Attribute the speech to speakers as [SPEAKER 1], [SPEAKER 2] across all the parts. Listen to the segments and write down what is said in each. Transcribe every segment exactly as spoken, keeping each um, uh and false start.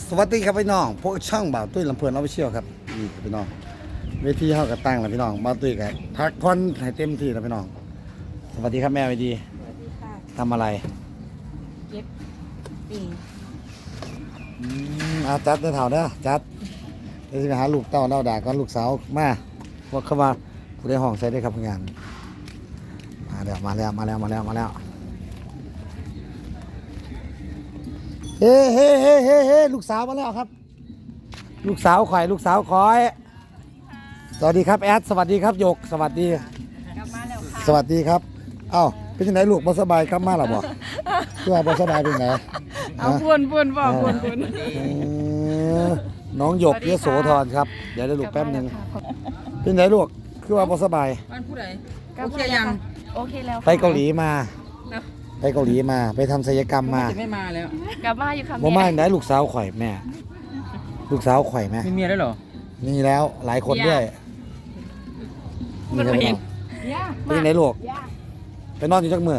[SPEAKER 1] สวัสดีครับพี่น้องพวกช่องบ่าวตุ้ยลำเพลินออฟฟิเชียลครับนี่พี่น้องเวทีเข้ากับตั้งแล้วพี่น้องบ่าวตุ้ยกับพักผ่อนให้เต็มที่แล้วพี่น้องสวัสดีครับแม่วิดี
[SPEAKER 2] สวัสดีค่ะ
[SPEAKER 1] ทำอะไร
[SPEAKER 2] เก็บปิ่ง
[SPEAKER 1] อืมอาจัดเด้อเถ่าเด้อจัดเดี๋ยวจะไปหาลูกเต้าเล่าด่าก่อนลูกสาวมาว่าเข้ามาผู้ได้ห้องใส่ได้ครับงานมาแล้วมาแล้วมาแล้วมาแล้วมาแล้วเฮ้เฮ้เฮ้เฮ้เฮ้ลูกสาวมาแล้วครับ ลูกสาวข่อยลูกสาวคอยสวัสดีครับแอดสวัสดีครับหยกสวัสดี
[SPEAKER 2] กลับมาแล้วค่ะ
[SPEAKER 1] สวัสดีครับเอ้าเป็นยังไงลูกบ่สบายครับมาหรอบ่คือว่าบ่สบายเป็นไง
[SPEAKER 2] เอาปวนปวนบอกปวนปวน
[SPEAKER 1] เออน้องหยกเยโสธรครับเดี๋ยวได้ลูกแป๊บหนึงเป็นไงลูกคือว่าบ่สบาย
[SPEAKER 3] บ้านผู้ใด
[SPEAKER 2] โอ
[SPEAKER 3] โอ
[SPEAKER 2] เค
[SPEAKER 3] เค
[SPEAKER 2] ยั
[SPEAKER 3] ยัง ง
[SPEAKER 2] โอเคแล้วค่ะ
[SPEAKER 1] ไปเกาหลีมา ไปเกาหลีมาไปทำศัลยกรรมมา
[SPEAKER 3] จะไม่มาแล้ว
[SPEAKER 2] กลับมาอยู่ค่ะ
[SPEAKER 1] บ่มา
[SPEAKER 2] แม่
[SPEAKER 1] ได้ลูกสาวข่อยแม่ ลูกสาวข่อยแม่
[SPEAKER 3] มีเมียแล้วเหรอ
[SPEAKER 1] มีแล้วหลายคนด้วยนี่ครับพี่น้องเป็นยังไงลูกไปนอนอยู่จักมื้อน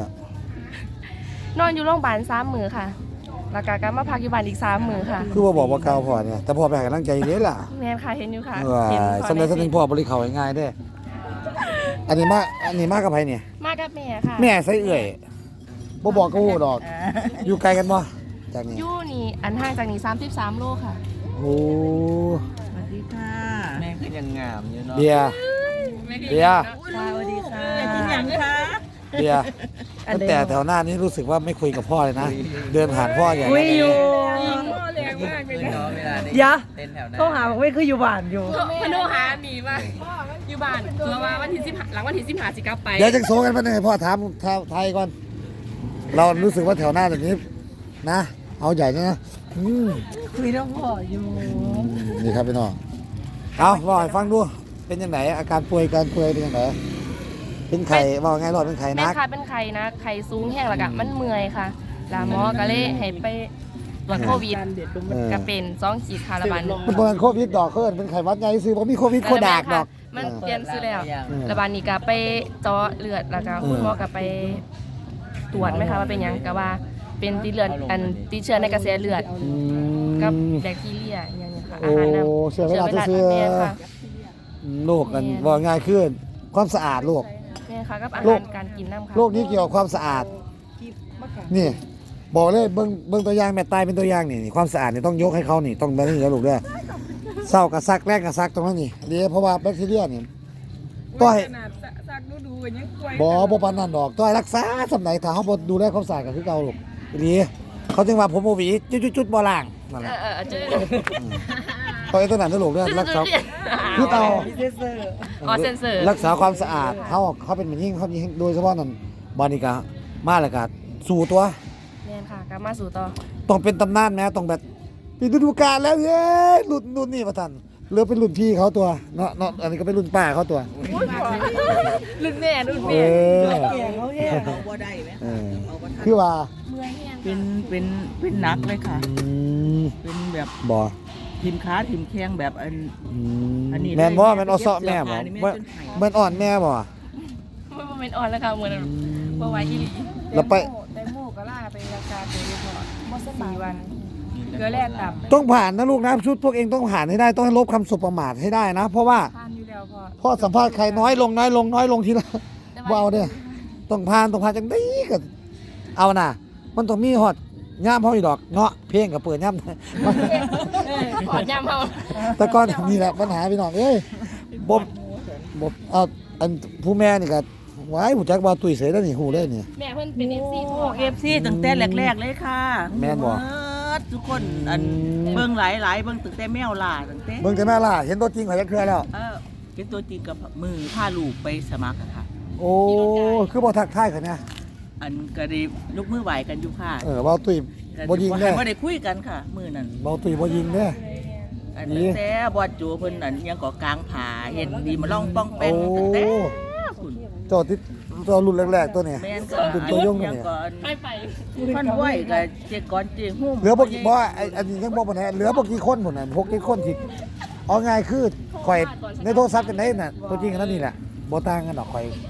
[SPEAKER 4] อนอยู่โรงพยาบาลสามมือค่ะ แล้วก็กลับมาพักอยู่บ้านอีกสามมือค่ะ
[SPEAKER 1] คือว่าบอกว่าเก่าพ่อเนี่ยแต่พ่อไปให้กำลังใจเด้ล่ะ
[SPEAKER 4] แม่นค่ะเห็นอยู่ค่ะ
[SPEAKER 1] เออ
[SPEAKER 4] เห็น
[SPEAKER 1] สำเร็จสำเร็จพ่อบริเขาง่ายๆเด้อันนี้มาอันนี้มากับไผเนี่ย
[SPEAKER 4] มากับแม่ค่ะ
[SPEAKER 1] แม่ใส่เอื่อยบ่บอกก็ฮู้ดอก อยู่ไกลกันบ่จากนี้
[SPEAKER 4] อยู่นี่อันห่างจากนี่สามสิบสามโลค่ะ
[SPEAKER 1] โอ้
[SPEAKER 3] สวัสดีค่ะแม่ก็ยังงามอยู่เนาะ
[SPEAKER 1] เบียร์เบียร์
[SPEAKER 3] สวัสดีค่ะอยากกินอย่างคะ
[SPEAKER 1] เบียร์ตั้งแต่แถวหน้านี้รู้สึกว่าไม่คุยกับพ่อเลยนะ เดินผ่านพ่ออย่าง
[SPEAKER 5] คุยอยู่
[SPEAKER 3] พ่อแรงมากเลยนะเวลา
[SPEAKER 5] เดี๋ยว
[SPEAKER 3] เต้นแถวหน้า
[SPEAKER 5] เขาหาบอกไม่คืออยู่บ้านอยู่
[SPEAKER 2] พนุหาหนีมาอยู่บ้านเพื่อว่าวันที่สิบหลังวันที่สิบห้าสิกลับไป
[SPEAKER 1] เดี๋ยวจังโซกันมาหน่อยพ่อถามถามไทยก่อน เรารู้สึกว่าแถวหน้าแบบนี้นะ เอาใหญ่นะอืม
[SPEAKER 5] คุยน้องพ่ออยู่
[SPEAKER 1] นี่ครับพี่น้องเอาบอกให้ฟังดูเป็นยังไงอาการป่วยการป่วยเป็นยังไงเป็นไข่บอกไงรอดเป็นไข่
[SPEAKER 4] แม่
[SPEAKER 1] นัก
[SPEAKER 4] ค่ะเป็นไข้นะไข้สูงแห้งแล้วก็มันเมื่อยค่ะลาหมอก็เลยให้ไปตรวจโควิด
[SPEAKER 1] เออ
[SPEAKER 4] ก็เป็นสองขีดคาราบัน
[SPEAKER 1] มันเป็นโควิดดอกเคินเป็นไข่หวัดใหญ่ซื้อผมมีโควิดโคดากดอก
[SPEAKER 4] มันเปลี่ยนซื้อแล้ว
[SPEAKER 1] เออ
[SPEAKER 4] ระบาดนี้ก็ไปเจาะเลือดแล้วก็คุณหมอก็ไปตรวจไหมคะว่าเป็นหยังก็ว่าเป็นติดเลือดอันติดเชื้อในกระแสเลือด
[SPEAKER 1] อื
[SPEAKER 4] กับ
[SPEAKER 1] ม
[SPEAKER 4] แบคทีเรียอย่างเงี้ยค่ะ
[SPEAKER 1] โอ้
[SPEAKER 4] อาหารน
[SPEAKER 1] เชื้อไวรัส
[SPEAKER 4] เชื้อ
[SPEAKER 1] เชื้อ
[SPEAKER 4] แม่ค่ะ
[SPEAKER 1] โรคกันว่าง่ายขึ้นความสะอาดโรค
[SPEAKER 4] แม่ค่ะกับอา
[SPEAKER 1] โร
[SPEAKER 4] หา
[SPEAKER 1] ค
[SPEAKER 4] รการกินน้ำค่ะ
[SPEAKER 1] โรคนี้เกี่ยวกับความสะอาด นี่ บอกเลยเบิ้งเบิ้งตัวอย่างแม่ตายเป็นตัวอย่างนี่นี่ความสะอาดนี่ต้องยกให้เขานี่ต้องแบบนี้แล้วลูกเด้อเศร้ากับซักแรกกับซักตรงนั้นนี่เดี๋ยวเพราะว่าแบคทีเรียนี่ต้อย
[SPEAKER 3] ขนาดซักดูดูกันยังกล้วย
[SPEAKER 1] บ่บ่ปานนั้นดอกต้อยรักษาสำไหนถ้าเฮาบ่ดูแลความสะอาดก็คือเก่าลูกดีเขาจึงว่าผมบ่หวีจุดๆๆบ่ล้างนั่นแห
[SPEAKER 4] เอ
[SPEAKER 1] ละ
[SPEAKER 4] อเออเจอ
[SPEAKER 1] ต้อยตัวนั้นนะลูกเด้อรักษาคือเก่า
[SPEAKER 4] อ๋อเซนเซอร์
[SPEAKER 1] รักษาความสะอาดเขาเขาเป็นมันยิ่งเขายิ่งโดยเฉพาะนั่นบานิกามาแล้วก็สู่ตัว
[SPEAKER 4] แม่นค่ะกลับมาสู่ต่อ
[SPEAKER 1] ต้องเป็นตำนานแม้ต้องแบบปีฤดูกาลแล้วเย้รุ่นรุ่นนี่ประทันเหลือเป็นรุ่นพี่เขาตัวเนาะเนาะอันนี้ก็เป็นรุ่นป้าเขาตัว
[SPEAKER 4] รุ่นแม่รุ่น
[SPEAKER 1] เอ
[SPEAKER 4] แม่
[SPEAKER 1] อ
[SPEAKER 5] แก่เขาแย่
[SPEAKER 3] เอาบ่ได้ไหม
[SPEAKER 1] เออคือว่า
[SPEAKER 3] เป็นเป็นเป็นนักเลยค่ะ
[SPEAKER 1] อืม
[SPEAKER 3] เป็นแบบ
[SPEAKER 1] บ่
[SPEAKER 3] ทีมค้าทีมแข่งแบบอัน
[SPEAKER 1] อืม
[SPEAKER 3] อันนี้
[SPEAKER 1] แม่นบ่
[SPEAKER 3] เลย
[SPEAKER 1] แม่นออซอแม่บ่
[SPEAKER 3] เย็บเสื้อผ้านี่แม่
[SPEAKER 1] แม่
[SPEAKER 3] จนหาย
[SPEAKER 1] แม่นอ่อนแม่บ่
[SPEAKER 4] มันบ่เป็นอ่อนแล้วค่ะเหมือนบ่ไหวอีหลี
[SPEAKER 1] แล้วไป
[SPEAKER 2] แตงโมก็ล่าไปรักษาตัวอยู่พอบ่สบายวันเกลือแร่ต่ำ
[SPEAKER 1] ต้องผ่านนะลูกนะชุดพวกเองต้องผ่านให้ได้ต้องให้ลบคำสบประมาทให้ได้นะ เพราะว่า
[SPEAKER 2] ทานอยู่แล้วพอ
[SPEAKER 1] พ่อสัมภาษณ์ใครน้อยลงน้อยลงน้อยลงทีละว้าวเนี่ยต้องผ่านต้องผ่านจังได้ก็เอาน่ะ มันต้องมีฮอดย่ามเฮาอีดอกเงาะเพลงก็เปิดย่าม
[SPEAKER 4] ขอยามเฮา
[SPEAKER 1] แต่ก่อนนี่แหละปัญหาพี่น้องเอ้ยบ่บ่เอาอันผู้แม่นี่ก็ว้ายผู้จักว่าตุ้ยเสยแล้วนี่ฮู้เลยนี่
[SPEAKER 4] แม่เพิ่นเป็น เอฟ ซี
[SPEAKER 3] โอ้
[SPEAKER 4] พ่อ
[SPEAKER 3] เอฟซีตั้งแต่แรกๆเลยค่ะ
[SPEAKER 1] แม่นบ่
[SPEAKER 3] เบิดทุกคนอัน
[SPEAKER 1] อืม
[SPEAKER 3] เบิ่งหลายหลายๆเบิ่งตั้งแต่แมวล่าตั้งแต่
[SPEAKER 1] เบิ่งแต่แม่ล่ะเห็นตัวจริงเขาจักเทื่อแล้ว
[SPEAKER 3] เออเป็นตัวจริงกับมือพาลูกไปสมัครอะค่ะ
[SPEAKER 1] โอ้คือบ่ทักทายเขาเนี่ย
[SPEAKER 3] อันก็ได้ลูกมือไหวกันอยู่ค่ะ
[SPEAKER 1] เออเว้าตุ้ยบ่ยิงเด้อ
[SPEAKER 3] บ่ได้คุยกันค่ะ มือนั้น
[SPEAKER 1] เว้าตุ้ยบ่ยิงเด้อ
[SPEAKER 3] อัน
[SPEAKER 1] นี่
[SPEAKER 3] ตั้งแต่บอดจูเพิ่นอันยังก่อกลางผาเห็นดีมาล่องป้อง
[SPEAKER 1] โอ้
[SPEAKER 3] เป็นตั้งแต่คุณ
[SPEAKER 1] เจ้าที่เจ้ารุ่นแรกๆตัวนี้
[SPEAKER 3] แม่นก็
[SPEAKER 1] รุ่นตัวยงตัว
[SPEAKER 3] ยัง
[SPEAKER 1] นี้
[SPEAKER 3] ก่อน
[SPEAKER 4] ให้ไป
[SPEAKER 3] พันไหวกับเจก่อนเจหุ้ม
[SPEAKER 1] เหลือบ่กี่บ่ไอ้อันนี้ยังบ่ปานใดเหลือบ่กี่คนพุ่นน่ะพวกกี่คนที่เอาง่ายคือข่อยในโทรศัพท์กันได้น่ะตัวจริงกันนั่นนี่แหละบ่ต่างกันดอกข่อย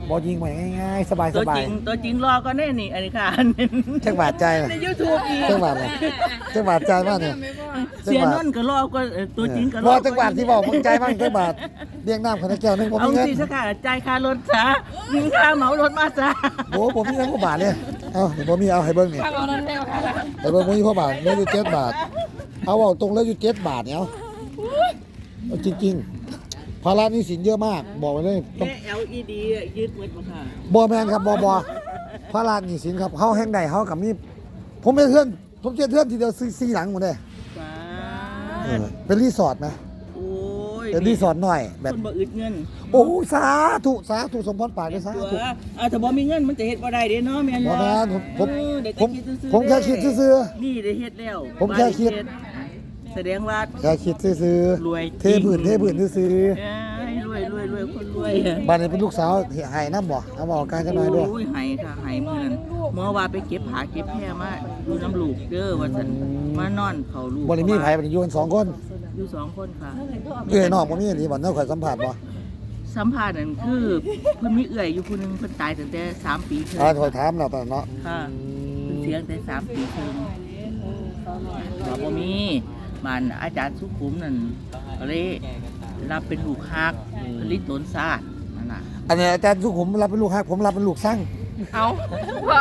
[SPEAKER 1] บ่ยิงไว้ง่ายๆสบาย
[SPEAKER 3] ตัว
[SPEAKER 1] สบา
[SPEAKER 3] จ
[SPEAKER 1] ย
[SPEAKER 3] ริงตัวจริงรอก็แน่นี่อันนี้ค่ะ
[SPEAKER 1] จังบาดใจน่ะ
[SPEAKER 3] ใน YouTube อีก
[SPEAKER 1] จังบาดน่ะจังบาดใจมากเนี่ย
[SPEAKER 3] เสียนนท์ก็รอก็เอ่อตัวจริงก็ร
[SPEAKER 1] ร
[SPEAKER 3] อ
[SPEAKER 1] อจังบาดที่บอกมึงใจมากจังบาดเลี้ยงน้ำคนละแก้วนึงผม
[SPEAKER 3] เอา
[SPEAKER 1] มีเงิน
[SPEAKER 3] สิสักค่ะจ่ายค่ารถซะยิงค่าเหมารถมาซะ
[SPEAKER 1] โอ้ผมมีเงินกว่าบาทเลยเอาเดี๋ยวผมมีเอาให้เบิ่งนี่
[SPEAKER 4] เอานั้นแล้วค่ะ
[SPEAKER 1] ให้เบิ่งผมมีกว่าบาทเหลืออยู่เจ็ดบาทเอาเอาตรงแล้วอยู่เจ็ดบาทเนี่ยเอาเอาจริงๆภาระหนี้สินเยอะมากบอกไว้เลยต้อง
[SPEAKER 3] แค่ แอล อี ดี อะยืดหมดบ่ค่ะ
[SPEAKER 1] บอแมนครับบอบอพระราชหนีสินครับเขาแห่งใดเขากับนี่ผมเป็นเพื่อนผมเจอเพื่อนทีเดียวซื้อซีหลังหมดเลย
[SPEAKER 3] ป้า
[SPEAKER 1] เออเป็นรีสอร์ทนะ
[SPEAKER 3] โอ้ย
[SPEAKER 1] เป็นรีสอร์ทหน่อยแบบ
[SPEAKER 3] คนบ่อึดเงิน
[SPEAKER 1] โอ้สาธุสาธุสมพรปากเลยสา
[SPEAKER 3] ตัว
[SPEAKER 1] ธุ
[SPEAKER 3] อ่าถ้าบ่มีเงินมันจะเฮ็ดบ่ได้เด้เนาะแม่น
[SPEAKER 1] บอ
[SPEAKER 3] บ่
[SPEAKER 1] แมนผมผม
[SPEAKER 3] เออเดี๋ยว
[SPEAKER 1] ผม
[SPEAKER 3] จะคิดซื่อๆ
[SPEAKER 1] ผมแค่คิดซื่อ
[SPEAKER 3] นี่ได้เฮ็ดแล้ว
[SPEAKER 1] ผมแค่คิด
[SPEAKER 3] แสดงว่า
[SPEAKER 1] ๆแค่คิดซื่อ
[SPEAKER 3] รวย
[SPEAKER 1] ๆเทพื้นเทพื้นซื่อ
[SPEAKER 3] เอ้ยรวยรวยรวยคนรวย
[SPEAKER 1] ๆบ้านนี้เป็นลูกสาวหายน้ำบ่เอาบอกการจะน้อยด้วย
[SPEAKER 3] โอ้ยไห้ค่ะไห้มื้อนั้นเมื่อว่าไปเก็บผาเก็บแพร่มาอยู่น้ำลูกเด้อว่าซั่นมานอนเขาลูก
[SPEAKER 1] บริมีไผ่บริยูกันสองคน
[SPEAKER 3] อยู่สองคนค่ะ
[SPEAKER 1] เอ้ยน้องบ่มีนี่บ่เนาะข่อยสัมผัสบ่
[SPEAKER 3] สัมภาษณ์นั่นคือเพิ่นมีเอื้อยอยู่ผู้หนึงเพิ่นตายตั้งแต่สามปีเพิ่น
[SPEAKER 1] อ่าข่อยถามแล้วตอนเนาะ
[SPEAKER 3] ค่ะเพิ่นเสียตั้งแต่สามปีเพิ่นว่าบ่มีบ้านอาจารย์สุขุมนั่นก็เลยรับเป็นลูกฮักผลิตตนศาสตร์นั่นน่ะ
[SPEAKER 1] อันนี้อาจารย์สุขุมรับเป็นลูกฮักผมรับเป็นลูกสร้าง
[SPEAKER 4] เอาว่า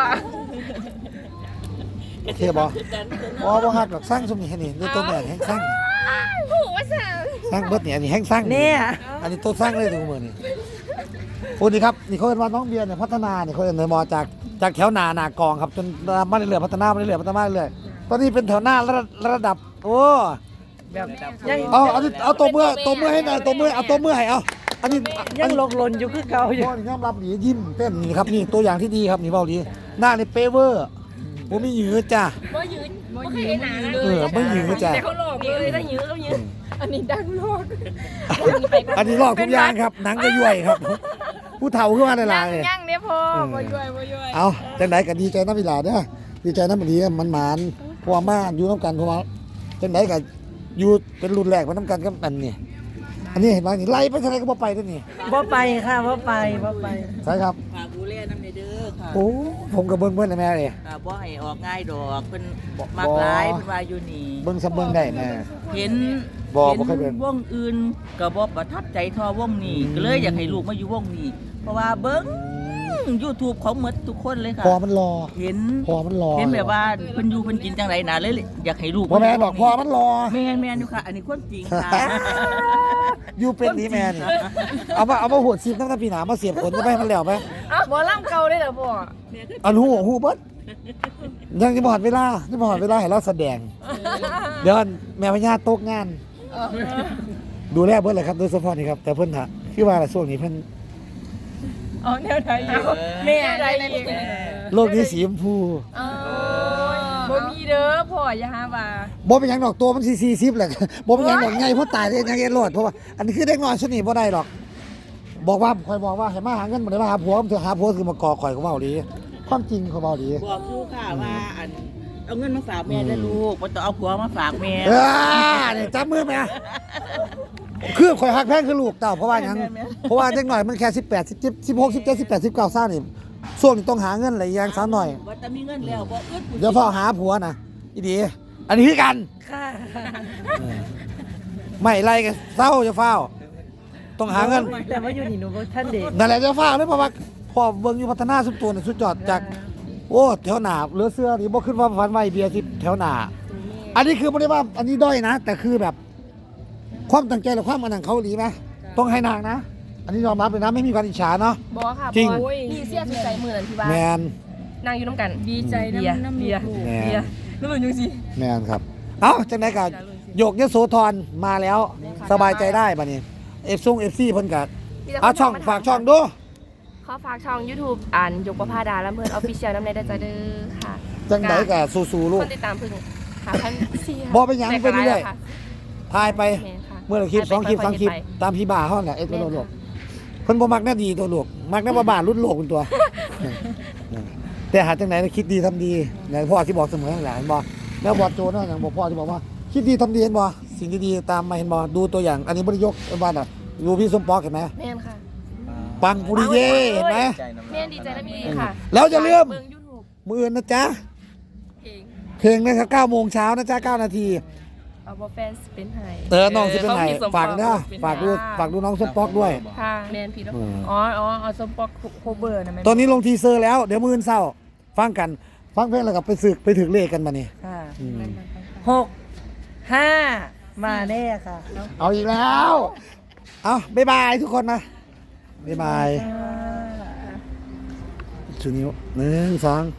[SPEAKER 1] โอเคบ่บ่บ่ฮักดอกสร้างซุมนี่แค่นี้นี่ตัวแม่แห่งสร้าง
[SPEAKER 4] หูว่าสั่ง
[SPEAKER 1] สร้างเบิดเนี่ยอันนี้แห้งสร้าง
[SPEAKER 5] เนี่ย
[SPEAKER 1] อันนี้ตัวสร้างเลยทุกมือนี่โอ้นี่ครับนี่เขาเรียกว่าน้องเบียร์เนี่ยพัฒนาเนี่ยเขาเรียกในมอจากจากแถวหนาหนากองครับจนมาเรื่อยๆพัฒนามาเรื่อยๆพัฒนามาเรื่อยๆตอนนี้เป็นแถวหน้าระดับระดับโอ้
[SPEAKER 5] แบบยัง
[SPEAKER 1] เอาเอาเอาตัวเมื่อตัวเมื่อให้หน่อยตัวเมื่อเอาตัวเมื่อให้เอาอันนี้อั
[SPEAKER 5] ยั
[SPEAKER 1] น
[SPEAKER 5] ง
[SPEAKER 1] นี้
[SPEAKER 5] หลกหลนอยู่คือเก่าอยู่
[SPEAKER 1] พ่อยอมรับดียิ้มเต้นนี่ครับนี่ตัวอย่างที่ดีครับนี่เบาดีหน้านี่เปเวอร์ผมมีหยืดจ้ะ
[SPEAKER 4] บ่ยืนบ่เคยเห็นหนาเล
[SPEAKER 1] เอย อไม่ยืดจ้ะ
[SPEAKER 4] แต่เขาหลอกเลยได้ยืนเขายืนอันนี้ดังโลก
[SPEAKER 1] อันนี้ลอกทุกอย่างครับหนังก็ย่วยครับ ผู้เฒ่าขึ้นมาในลายเลย
[SPEAKER 4] ย่างเนี่ยพอบ่ย่อยบ่ย่อย
[SPEAKER 1] เอาจังไดก็ดีใจน้ำเวลาเด้อดีใจน้ำมันดีมันหมานเพราะว่ามาอยู่น้ำกันเพราะว่าจังไดก็อยู่เป็นรุ่นแรกมาน้ำกันกับอันนี่อันนี้เห็นไหมนี่ไล่ไปทางไหนก็บ่ไปด้วยนี่
[SPEAKER 5] บ่ไปค่ะบ่ไปบ่ไป
[SPEAKER 1] ใช่ครับ
[SPEAKER 3] ฝากดูแลน้ำในเด้อค่ะ
[SPEAKER 1] โอ้ผมกับเบิ้งเบิ้งนะแม่เลย
[SPEAKER 3] อ่าบ่ให้ออกง่ายดอกเพิ่นมักหลายเพิ่นว่าอยู่นี่
[SPEAKER 1] เบิ้งซับเบิ้งได้แม่
[SPEAKER 3] เห็น
[SPEAKER 1] บ่
[SPEAKER 3] เห็น
[SPEAKER 1] บ่เคยเบิ่ง
[SPEAKER 3] วงอื่นก็บ่ประทับใจเทอวงนี้ก็เลยอยากให้ลูกมาอยู่วงนี้เพราะว่าเบิ่ง YouTube ของหมดทุกคนเลยค่ะ
[SPEAKER 1] พอมันรอ
[SPEAKER 3] เห็น
[SPEAKER 1] พอมันรอ
[SPEAKER 3] เห็นแบบว่าเพิ่นอยู่เพิ่นกินจังไดน่ะเลยอยากให้ลูก
[SPEAKER 1] พ่อแม่บอกพอมันรอ
[SPEAKER 3] แม่นแม่นอยู่ค่ะ อันนี้ความจริงค่ะ
[SPEAKER 1] อยู่เป็นนี่แม่นี่เอามาเอามาหัวซีบตั้งแต่ปีหนามาเสียบขนจะไปให้มันแล้วไหม
[SPEAKER 4] อ้าวบ่ล่ำเก่าได้เหรอพ่อ
[SPEAKER 1] อันหูหูเบิดยังจะบอดเวลาจะบอดเวลาให้เราแสดง เดี๋ยวแม่พญาตกงาน ดูแลเบิดเลยครับโดยเฉพาะนี่ครับแต่เพิ่นฮะคือว่าช่วงนี้เพิ่น
[SPEAKER 2] เอาแนวไทยอยู่
[SPEAKER 4] แม่ได้อีก
[SPEAKER 1] โลกนี้สีชมพู
[SPEAKER 4] เออบ่มีเด้อพ่ออย่าหาว่า
[SPEAKER 1] บ่เป็นหยังดอกตัวมันสี่สิบแหละบ่เป็นหยังดอกไงเพราะตายได้ยังไงรอดเพราะว่าอันนี้คือเด็กน้อยชนิดบ่ได้หรอก บอกว่าคอยบอกว่าให้มาหาเงินบ่ได้มาหาผัวมันเถอะหาผัวคือมาก่อข่อยก็เว้าดีความจริงเขาเว้าดี
[SPEAKER 3] บอกลูกค่ะว่าอันเอาเงินมาฝากแม่ได้ลูกบ่ต้องเอาผัวมาฝากแม่
[SPEAKER 1] เออนี่จับมือแม่คือข่อยฮักแพงคือลูกเต้าเพราะว่าหยังเพราะว่าเด็กน้อยมันแค่สิบแปด สิบเจ็ด สิบหก สิบเจ็ด สิบแปด สิบเก้าซ่านี่ช่วงนี้ต้องหาเงินหลายอย่างซะหน่อย
[SPEAKER 3] ว่าจะมีเงินแล้วบ่อึด
[SPEAKER 1] เดี๋ยวพ่อหาผัวนะอีดี อันนี้คือกัน
[SPEAKER 5] ค่ะ
[SPEAKER 1] ไม่ไล่กันเศร้าจะเฝ้า ต้องหาเงิน
[SPEAKER 5] แต่ว่าอยู่นี่หนูบ่ท่านเด็ก
[SPEAKER 1] นั่นแหละจะเฝ้าเลยเพราะว่าพ่อเบิ่งอยู่พัฒนาสุดตัวนี่สุดยอดจาก โอ้แถวหนาเหลือเสื้อนี่บ่ขึ้นว่าฟันไว้เบียร์ที่แถวหนาอันนี้คือไม่ได้ว่าอันนี้ด้อยนะ แต่คือแบบ ความตั้งใจและความอันนั้นเขาดีไหมต้องให้นางนะ อันนี้ยอมรับเลยนะไม่มีการอิจฉาเนาะ
[SPEAKER 4] บ่ค่ะ
[SPEAKER 1] จริง
[SPEAKER 4] พ่อนี่เสียสุดใจมื้อนั้นที่ว่า
[SPEAKER 1] แมน
[SPEAKER 4] นั่งอยู่น้ำกัน
[SPEAKER 2] ดีใจ
[SPEAKER 4] เบียร์
[SPEAKER 2] น้ำน้ำ
[SPEAKER 4] เบียร์
[SPEAKER 2] ลูก
[SPEAKER 1] แม
[SPEAKER 4] เบีย
[SPEAKER 1] น
[SPEAKER 4] ร์นั่นมันอยู่สิ
[SPEAKER 1] แมนครับ เอ้าจังได๋ก็โยกยโสธรมาแล้ว สบายใจได้บัดนี้เอฟซุงเอฟซีเพิ่นก็เอาช่องฝากช่องดู
[SPEAKER 4] ขอฝากช่อง YouTube อ่านยกประภาดาลำเพิ่น Official น้ำในได้ใจเด้อค่ะ
[SPEAKER 1] จังไดก็สู้ๆลู
[SPEAKER 4] ค
[SPEAKER 1] ก
[SPEAKER 4] นติดตามเพิ่งหาพันสี่
[SPEAKER 1] บ่เป็นหยังเป็นเรื่อย
[SPEAKER 4] ค่ะ
[SPEAKER 1] ถ่ายไป
[SPEAKER 4] แม่นค่ะ
[SPEAKER 1] เมื่อละคลิปสองคลิปสามคลิปตามพี่บ่าเฮาแหละเอ็ดบ่โลกเพิ่นบ่มักหน้าดีตัวลูกมักหน้าบ้าๆรุ่นโลกเป็นตัว แต่หาจังไหนคิดดีทำดีอย่างพ่อที่บอกเสมอนั่นแหละเห็นบ่แล้วบอดโจเนาะอย่างบอกพ่อที่บอกว่าคิดดีทำดีเห็นบ่สิ่งดีๆตามมาเห็นบ่ดูตัวอย่างอันนี้บ่ได้ยกว่าน่ะดูพี่สมปองเห็นไหม
[SPEAKER 4] แม่นค่ะ
[SPEAKER 1] อปังปุริเย่เห็นไหม
[SPEAKER 4] แม่ดีใจนะพี่ค่ะ
[SPEAKER 1] แล้วจะเลื่อม
[SPEAKER 4] เบิ่ง YouTube
[SPEAKER 1] มืออื่นนะจ๊ะ
[SPEAKER 4] เอง
[SPEAKER 1] เพลงนะครับเก้าโมงเช้านะจ๊ะเก้านาที
[SPEAKER 4] เอาบ่แฟนสิเป็นไห้
[SPEAKER 1] เออน้องสิเป็นไหน
[SPEAKER 4] ขามีสม
[SPEAKER 1] ฝากนะ
[SPEAKER 4] เป็น
[SPEAKER 1] ฝากดู
[SPEAKER 4] ค่ะ
[SPEAKER 1] ฝากดูน้องส้มป๊อกด้วย
[SPEAKER 4] ค่ะแมนพี่เนาะ
[SPEAKER 1] เออ
[SPEAKER 2] อ๋ออ๋อเอาสมปอกโคเบอร์นะแม่
[SPEAKER 1] ตอนนี้ลงทีเซอร์แล้ว เดี๋ยวมืออื่นเศร้า ฟังกัน ฟังเพลงแล้วกับไปสึกไปถึงเลขกันมานี่
[SPEAKER 5] ค่ะ
[SPEAKER 1] อืม
[SPEAKER 5] หกห้ามาแน่ค่ะ
[SPEAKER 1] เอาอีกแล้ว เอาบ๊ายบายทุกคนนะบ๊ายบายชูนิ้วหนึ่งสอง